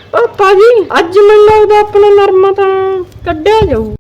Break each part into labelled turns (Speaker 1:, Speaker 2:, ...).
Speaker 1: ਪਾਪਾ ਜੀ ਅੱਜ ਮੈਨੂੰ ਲੱਗਦਾ ਆਪਣਾ ਨਰਮਾ ਤਾਂ ਕੱਢਿਆ ਜਾਊ।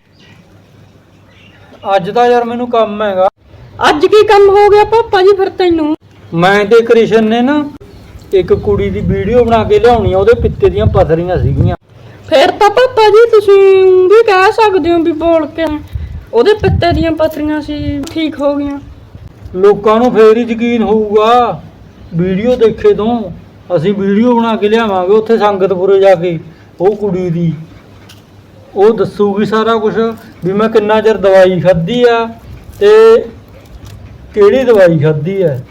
Speaker 2: ਅੱਜ ਤਾਂ ਯਾਰ ਮੈਨੂੰ ਕੰਮ ਹੈਗਾ।
Speaker 1: ਅੱਜ ਕੀ ਕੰਮ ਹੋ ਗਿਆ ਪਾਪਾ ਜੀ ਫਿਰ ਤੈਨੂੰ?
Speaker 2: ਮੈਂ ਤੇ ਕ੍ਰਿਸ਼ਨ ਨੇ ਨਾ ਇੱਕ ਕੁੜੀ ਦੀ ਵੀਡੀਓ ਬਣਾ ਕੇ ਲਿਆਉਣੀ ਆ, ਉਹਦੇ ਪਿੱਤੇ ਦੀਆਂ ਪਥਰੀਆਂ ਸੀਗੀਆਂ।
Speaker 1: ਫਿਰ ਤਾਂ ਪਾਪਾ ਜੀ ਤੁਸੀਂ ਵੀ ਕਹਿ ਸਕਦੇ ਹੋ ਵੀ ਬੋਲ ਕੇ ਉਹਦੇ ਪਿੱਤੇ ਦੀਆਂ ਪਥਰੀਆਂ ਸੀ ਠੀਕ ਹੋ ਗਈਆਂ।
Speaker 2: ਲੋਕਾਂ ਨੂੰ ਫੇਰ ਹੀ ਯਕੀਨ ਹੋਊਗਾ ਵੀਡੀਓ ਦੇਖੇ ਤੋਂ। ਅਸੀਂ ਵੀਡੀਓ ਬਣਾ ਕੇ ਲਿਆਵਾਂਗੇ ਉੱਥੇ ਸੰਗਤਪੁਰੇ ਜਾ ਕੇ, ਉਹ ਕੁੜੀ ਦੀ ਉਹ ਦੱਸੂਗੀ ਸਾਰਾ ਕੁਝ ਵੀ ਮੈਂ ਕਿੰਨਾ ਚਿਰ ਦਵਾਈ ਖਾਧੀ ਆ ਤੇ ਕਿਹੜੀ ਦਵਾਈ ਖਾਧੀ ਆ।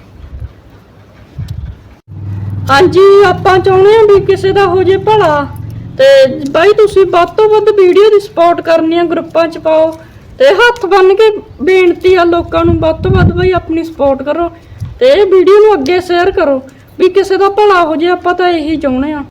Speaker 1: ਹਾਂਜੀ ਆਪਾਂ ਚਾਹੁੰਦੇ ਹਾਂ ਵੀ ਕਿਸੇ ਦਾ ਹੋ ਜੇ ਭਲਾ, ਤੇ ਬਾਈ ਤੁਸੀਂ ਵੱਧ ਤੋਂ ਵੱਧ ਵੀਡੀਓ ਦੀ ਸਪੋਰਟ ਕਰਨੀ ਆ, ਗਰੁੱਪਾਂ 'ਚ ਪਾਓ ਤੇ ਹੱਥ ਬੰਨ ਕੇ ਬੇਨਤੀ ਆ ਲੋਕਾਂ ਨੂੰ ਵੱਧ ਤੋਂ ਵੱਧ ਬਾਈ ਆਪਣੀ ਸਪੋਰਟ ਕਰੋ ਤੇ ਇਹ ਵੀਡੀਓ ਨੂੰ ਅੱਗੇ ਸ਼ੇਅਰ ਕਰੋ ਵੀ ਕਿਸੇ ਦਾ ਭਲਾ ਹੋ ਜੇ। ਆਪਾਂ ਤਾਂ ਇਹੀ ਚਾਹੁੰਦੇ ਆ।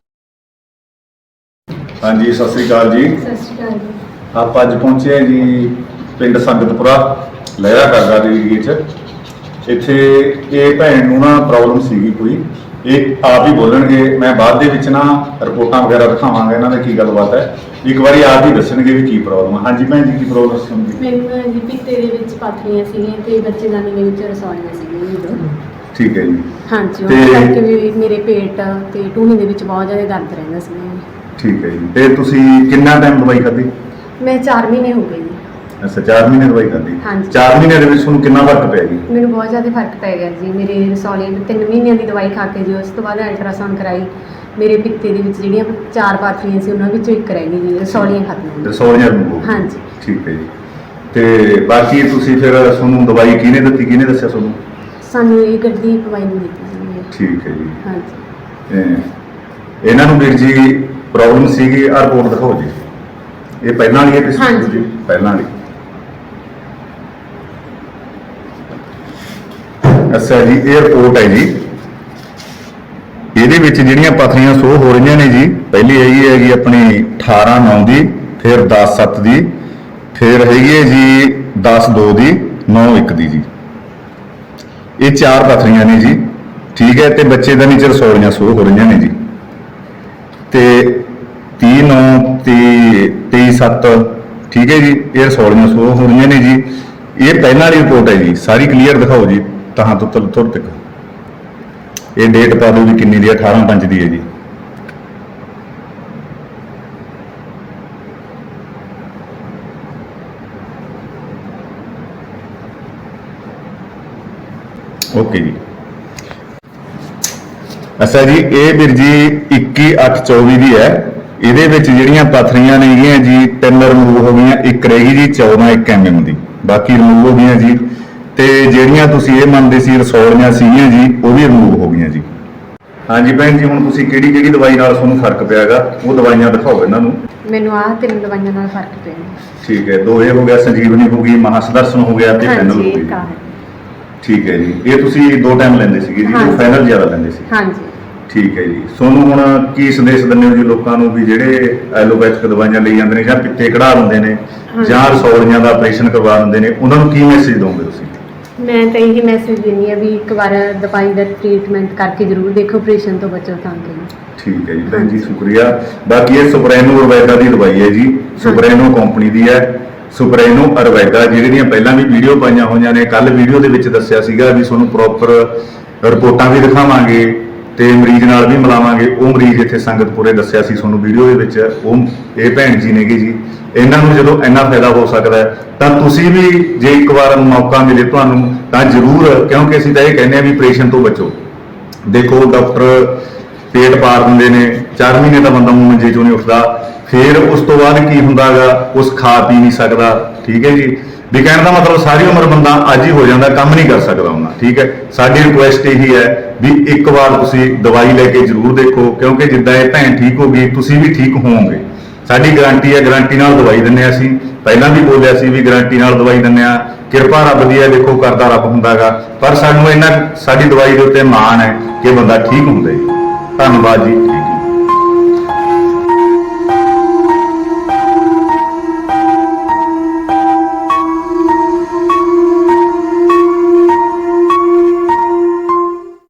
Speaker 3: ਹਾਂਜੀ ਸਤਿ ਸ੍ਰੀ ਅਕਾਲ ਜੀ।
Speaker 1: ਸਤਿ ਸ਼੍ਰੀ ਅਕਾਲ ਜੀ।
Speaker 3: ਆਪਾਂ ਅੱਜ ਪਹੁੰਚੇ ਹਾਂ ਜੀ ਪਿੰਡ ਸੰਗਤਪੁਰਾ ਲਹਿਰਾ ਕਰਦਾ ਦੇ ਏਰੀਏ 'ਚ। ਇੱਥੇ ਇਹ ਭੈਣ ਨੂੰ ਨਾ ਪ੍ਰੋਬਲਮ ਸੀਗੀ ਕੋਈ, ਇਹ ਆਪ ਹੀ ਬੋਲਣਗੇ, ਮੈਂ ਬਾਅਦ ਦੇ ਵਿੱਚ ਨਾ ਰਿਪੋਰਟਾਂ ਵਗੈਰਾ ਦਿਖਾਵਾਂਗਾ ਇਹਨਾਂ ਦੇ ਕੀ ਗੱਲਬਾਤ ਹੈ। ਇੱਕ ਵਾਰੀ ਆਪ ਹੀ ਦੱਸਣਗੇ ਵੀ ਕੀ ਪ੍ਰੋਬਲਮ ਹੈ। ਹਾਂਜੀ ਭੈਣ ਜੀ ਕੀ ਪ੍ਰੋਬਲਮ ਸੀ?
Speaker 4: ਮੈਨੂੰ ਜੀ ਪਿੱਤੇ ਦੇ ਵਿੱਚ ਪਾਥਰੀਆਂ ਸੀਗੀਆਂ ਤੇ ਬੱਚੇਦਾਨੀ ਦੇ ਵਿੱਚ ਰਸੌਲੀਆਂ ਸੀਗੀਆਂ ਜੀ।
Speaker 3: ਠੀਕ ਹੈ ਜੀ।
Speaker 4: ਹਾਂਜੀ ਉਹ ਕਰਕੇ ਵੀ ਮੇਰੇ ਪੇਟ ਤੇ ਟੂਹਣੀ ਦੇ ਵਿੱਚ ਬਹੁਤ ਜ਼ਿਆਦਾ ਦਰਦ ਰਹਿੰਦਾ ਸੀ।
Speaker 3: ਠੀਕ ਹੈ ਜੀ। ਤੇ ਤੁਸੀਂ ਕਿੰਨਾ ਟਾਈਮ ਦਵਾਈ ਖਾਧੀ?
Speaker 4: ਮੈਂ 4 ਮਹੀਨੇ ਹੋ ਗਏ ਜੀ।
Speaker 3: ਅੱਛਾ 4 ਮਹੀਨੇ ਦਵਾਈ ਖਾਧੀ।
Speaker 4: ਹਾਂਜੀ।
Speaker 3: 4 ਮਹੀਨੇ ਦੇ ਵਿੱਚ ਤੁਹਾਨੂੰ ਕਿੰਨਾ ਫਰਕ ਪਿਆ ਜੀ?
Speaker 4: ਮੈਨੂੰ ਬਹੁਤ ਜ਼ਿਆਦਾ ਫਰਕ ਪੈ ਗਿਆ ਜੀ। ਮੇਰੇ ਰਸੌਲੀਆਂ 3 ਮਹੀਨਿਆਂ ਦੀ ਦਵਾਈ ਖਾ ਕੇ ਜੀ ਉਸ ਤੋਂ ਬਾਅਦ ਅਲਟਰਾਸਾਊਂਡ ਕਰਾਈ, ਮੇਰੇ ਪਿੱਤੇ ਦੇ ਵਿੱਚ ਜਿਹੜੀਆਂ 4 ਪਾਥਰੀਆਂ ਸੀ ਉਹਨਾਂ ਵਿੱਚੋਂ ਇੱਕ ਰਹਿ ਗਈ ਜੀ, ਰਸੌਲੀਆਂ ਖਤਮ ਹੋ ਗਈਆਂ।
Speaker 3: ਰਸੌਲੀਆਂ ਨੂੰ?
Speaker 4: ਹਾਂਜੀ।
Speaker 3: ਠੀਕ ਹੈ ਜੀ। ਤੇ ਬਾਕੀ ਤੁਸੀਂ ਫਿਰ ਤੁਹਾਨੂੰ ਦਵਾਈ ਕਿਹਨੇ ਦਿੱਤੀ, ਕਿਹਨੇ ਦੱਸਿਆ ਤੁਹਾਨੂੰ?
Speaker 4: ਸਾਨੂੰ ਇਹ ਗੱਡੀ ਪਵਾਈ ਨੂੰ ਦਿੱਤੀ ਸੀ।
Speaker 3: ਠੀਕ ਹੈ ਜੀ।
Speaker 4: ਹਾਂਜੀ।
Speaker 3: ਇਹਨਾਂ ਨੂੰ ਵੀਰ ਜੀ ਪ੍ਰੋਬਲਮ ਸੀਗੀ, ਆਹ ਰਿਪੋਰਟ ਦਿਖਾਓ ਜੀ। ਇਹ ਪਹਿਲਾਂ ਵਾਲੀ ਹੈ ਤੁਸੀਂ?
Speaker 4: ਹਾਂਜੀ।
Speaker 3: ਪਹਿਲਾਂ ਵਾਲੀ। ਅੱਛਾ ਜੀ ਇਹ ਰਿਪੋਰਟ ਹੈ ਜੀ। ਇਹਦੇ ਵਿੱਚ ਜਿਹੜੀਆਂ ਪਥਰੀਆਂ ਸ਼ੋ ਹੋ ਰਹੀਆਂ ਨੇ ਜੀ, ਪਹਿਲੀ ਹੈਗੀ ਆਪਣੀ 18/9 ਦੀ, ਫਿਰ 10/7 ਦੀ, ਫਿਰ ਹੈਗੀ ਹੈ ਜੀ 10/2 ਦੀ, 9/1 ਦੀ ਜੀ। ਇਹ 4 ਪਥਰੀਆਂ ਨੇ ਜੀ। ਠੀਕ ਹੈ। ਤੇ ਬੱਚੇ ਦਾ ਨੀਚੇ ਰਸੌਲੀਆਂ ਸ਼ੋ ਹੋ ਰਹੀਆਂ ਨੇ ਜੀ। ਤੇ 30/9 ਤੇ 23/7 ਠੀਕ ਹੈ ਜੀ, ਇਹ ਰਸੌਲੀਆਂ ਸ਼ੋ ਹੋ ਰਹੀਆਂ ਨੇ ਜੀ। ਇਹ ਪਹਿਲਾਂ ਵਾਲੀ ਰਿਪੋਰਟ ਹੈ ਜੀ, ਸਾਰੀ ਕਲੀਅਰ ਦਿਖਾਓ ਜੀ ਤਾਂ ਤੋਂ ਥੋੜ੍ਹ ਤੱਕ। ਇਹ ਡੇਟ ਪਾ ਦਿਓ ਵੀ ਕਿੰਨੀ ਦੀ ਹੈ, 18/5 ਦੀ ਹੈ ਜੀ। ਓਕੇ ਜੀ। ਅੱਛਾ ਜੀ ਇਹ ਵੀਰ ਜੀ 21/8/24 ਦੀ ਹੈ। ਇਹਦੇ ਵਿੱਚ ਜਿਹੜੀਆਂ ਪਥਰੀਆਂ ਨੇਗੀਆਂ ਜੀ 3 ਰਿਮੂਵ ਹੋ ਗਈਆਂ, ਇੱਕ ਰਹਿ ਗਈ ਜੀ 14 mm ਦੀ, ਬਾਕੀ ਰਿਮੂਵ ਹੋ ਗਈਆਂ ਜੀ। ਤੇ ਜਿਹੜੀਆਂ ਤੁਸੀਂ ਇਹ ਮੰਨਦੇ ਸੀ ਰਸੌਲੀਆਂ ਸੀਗੀਆਂ ਜੀ ਉਹ ਵੀ ਰਿਮੂਵ ਹੋ ਗਈਆਂ ਜੀ। ਹਾਂਜੀ ਭੈਣ ਜੀ ਹੁਣ ਤੁਸੀਂ ਕਿਹੜੀ ਕਿਹੜੀ ਦਵਾਈ ਨਾਲ ਤੁਹਾਨੂੰ ਫਰਕ ਪਿਆਗਾ ਉਹ ਦਵਾਈਆਂ ਦਿਖਾਓ ਇਹਨਾਂ ਨੂੰ।
Speaker 4: ਮੈਨੂੰ ਆਹ 3 ਦਵਾਈਆਂ ਨਾਲ ਫਰਕ ਪਿਆ।
Speaker 3: ਠੀਕ ਹੈ। 2 ਇਹ ਹੋ ਗਿਆ, ਸੰਜੀਵਨੀ ਹੋ ਗਈ, ਮਹਾਸਦਰਸ਼ਨ ਹੋ ਗਿਆ ਤੇ ਫੈਨਲ ਹੋ ਗਈ। ਠੀਕ ਹੈ ਜੀ। ਇਹ ਤੁਸੀਂ 2 ਟਾਈਮ ਲੈਂਦੇ ਸੀਗੇ ਜੀ, ਉਹ ਫੈਨਲ ਜ਼ਿਆਦਾ ਲੈਂਦੇ ਸੀ?
Speaker 4: ਹਾਂਜੀ।
Speaker 3: ਠੀਕ ਹੈ ਜੀ। ਤੁਹਾਨੂੰ ਹੁਣ ਕੀ ਸੰਦੇਸ਼ ਦਿੰਦੇ ਹੋ ਜੀ ਲੋਕਾਂ ਨੂੰ ਵੀ ਜਿਹੜੇ ਐਲੋਪੈਥਿਕ ਦਵਾਈਆਂ ਲਈ ਜਾਂਦੇ ਨੇ ਜਾਂ ਪਿੱਤੇ ਕਢਾ ਲੈਂਦੇ ਨੇ ਜਾਂ ਰਸੌਲੀਆਂ ਦਾ ਆਪਰੇਸ਼ਨ ਕਰਵਾ ਲੈਂਦੇ ਨੇ, ਉਹਨਾਂ ਨੂੰ ਕੀ ਮੈਸੇਜ ਦੋਗੇ ਤੁਸੀਂ?
Speaker 4: ਮੈਂ ਤਾਂ ਇਹੀ ਮੈਸੇਜ ਦਿੰਦੀ ਆ ਵੀ ਇੱਕ ਵਾਰ ਦਵਾਈ ਦਾ ਟ੍ਰੀਟਮੈਂਟ ਕਰਕੇ ਜ਼ਰੂਰ ਦੇਖੋ, ਆਪਰੇਸ਼ਨ ਤੋਂ ਬਚੋ ਤਾਂ ਕਿ।
Speaker 3: ਠੀਕ ਹੈ ਜੀ ਭੈਣ ਜੀ ਸ਼ੁਕਰੀਆ। ਬਾਕੀ ਇਹ ਸੁਪਰੈਨੋ ਅਰਵੈਦਾ ਦੀ ਦਵਾਈ ਹੈ ਜੀ, ਸੁਪਰੈਨੋ ਕੰਪਨੀ ਦੀ ਹੈ। ਸੁਪਰੈਨੋ ਅਰਵੈਦਾ ਜਿਹੜੀਆਂ ਪਹਿਲਾਂ ਵੀ ਵੀਡੀਓ ਪਾਈਆਂ ਹੋਈਆਂ ਨੇ, ਕੱਲ ਵੀਡੀਓ ਦੇ ਵਿੱਚ ਦੱਸਿਆ ਸੀਗਾ ਵੀ ਤੁਹਾਨੂੰ ਪ੍ਰੋਪਰ ਰਿਪੋਰਟਾਂ ਵੀ ਦਿਖਾਵਾਂਗੇ ਤੇ ਮਰੀਜ਼ ਨਾਲ ਵੀ ਮਿਲਾਵਾਂਗੇ। ਉਹ ਮਰੀਜ਼ ਇੱਥੇ ਸੰਗਤਪੁਰੇ ਦੱਸਿਆ ਸੀ ਤੁਹਾਨੂੰ ਵੀਡੀਓ ਦੇ ਵਿੱਚ, ਉਹ ਇਹ ਭੈਣ ਜੀ ਨੇਗੇ ਜੀ। ਇਹਨਾਂ ਨੂੰ ਜਦੋਂ ਇੰਨਾ ਫਾਇਦਾ ਹੋ ਸਕਦਾ ਤਾਂ ਤੁਸੀਂ ਵੀ ਜੇ ਇੱਕ ਵਾਰ ਮੌਕਾ ਮਿਲੇ ਤੁਹਾਨੂੰ ਤਾਂ ਜ਼ਰੂਰ, ਕਿਉਂਕਿ ਅਸੀਂ ਤਾਂ ਇਹ ਕਹਿੰਦੇ ਆ ਵੀ ਆਪਰੇਸ਼ਨ ਤੋਂ ਬਚੋ। ਦੇਖੋ ਡਾਕਟਰ ਪੇਟ ਪਾੜ ਦਿੰਦੇ ਨੇ, 4 ਮਹੀਨੇ ਤਾਂ ਬੰਦਾ ਮੰਜੇ ਚੋਂ ਨਹੀਂ ਉੱਠਦਾ, ਫਿਰ ਉਸ ਤੋਂ ਬਾਅਦ ਕੀ ਹੁੰਦਾਗਾ, ਉਸ ਖਾ ਪੀ ਨਹੀਂ ਸਕਦਾ। ਠੀਕ ਹੈ ਜੀ। ਵੀ ਕਹਿਣ ਦਾ ਮਤਲਬ ਸਾਰੀ ਉਮਰ ਬੰਦਾ ਅੱਜ ਹੀ ਹੋ ਜਾਂਦਾ, ਕੰਮ ਨਹੀਂ ਕਰ ਸਕਦਾ ਉਹਨਾਂ। ਠੀਕ ਹੈ। ਸਾਡੀ ਰਿਕੁਐਸਟ ਇਹੀ ਹੈ ਵੀ ਇੱਕ ਵਾਰ ਤੁਸੀਂ ਦਵਾਈ ਲੈ ਕੇ ਜ਼ਰੂਰ ਦੇਖੋ, ਕਿਉਂਕਿ ਜਿੱਦਾਂ ਇਹ ਭੈਣ ਠੀਕ ਹੋ ਗਈ ਤੁਸੀਂ ਵੀ ਠੀਕ ਹੋਵੋਗੇ। ਸਾਡੀ ਗਾਰੰਟੀ ਹੈ, ਗਾਰੰਟੀ ਨਾਲ ਦਵਾਈ ਦਿੰਦੇ ਹਾਂ ਅਸੀਂ। ਪਹਿਲਾਂ ਵੀ ਬੋਲਿਆ ਸੀ ਵੀ ਗਾਰੰਟੀ ਨਾਲ ਦਵਾਈ ਦਿੰਦੇ ਹਾਂ। ਕਿਰਪਾ ਰੱਬ ਦੀ ਹੈ, ਦੇਖੋ ਕਰਦਾ ਰੱਬ ਹੁੰਦਾਗਾ, ਪਰ ਸਾਨੂੰ ਇਹਨਾਂ ਸਾਡੀ ਦਵਾਈ ਦੇ ਉੱਤੇ ਮਾਣ ਹੈ ਕਿ ਬੰਦਾ ਠੀਕ ਹੁੰਦਾ ਜੀ। ਧੰਨਵਾਦ ਜੀ।